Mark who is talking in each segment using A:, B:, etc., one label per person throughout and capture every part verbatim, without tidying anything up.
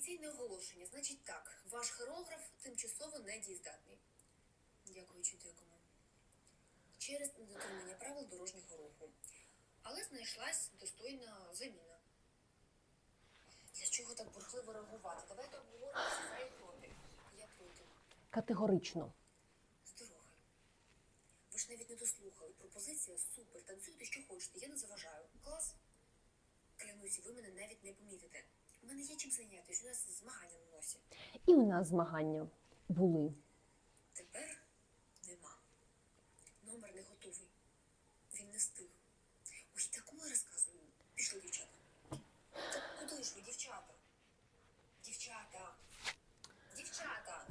A: Офіційне оголошення. Значить так, ваш хореограф тимчасово недієздатний. Дякуючи декому. Через недотримання правил дорожнього руху. Але знайшлась достойна заміна. Для чого так бурхливо реагувати? Давайте обговоримо всі за і проти. Я проти.
B: Категорично.
A: З дороги. Ви ж навіть не дослухали. Пропозиція супер. Танцюйте, що хочете. Я не заважаю. Клас. Клянусь, ви мене навіть не помітите. У мене є чим зайнятися. У нас змагання на носі.
B: І у нас змагання були.
A: Тепер нема. Номер не готовий. Він не встиг. Ой, таку я розказую. Пішли, дівчата. Так куди ж ви, дівчата? Дівчата. Дівчата.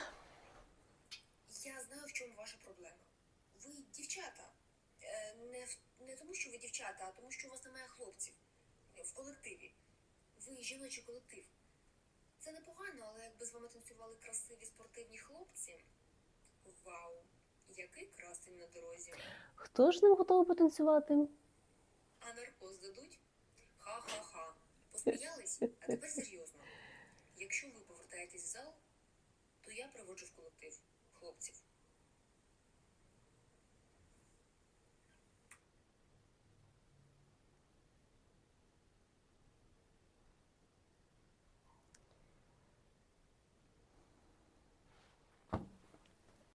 A: Я знаю, в чому ваша проблема. Ви дівчата. Е, Не, в- не тому, що ви дівчата, а тому, що у вас немає хлопців. В колективі. Ви жіночий колектив. Це непогано, але якби з вами танцювали красиві спортивні хлопці. Вау, який красень на дорозі.
B: Хто ж ним готовий потанцювати?
A: А наркоз дадуть? Ха-ха-ха. Посміялись? А тепер серйозно. Якщо ви повертаєтесь в зал, то я приводжу в колектив хлопців.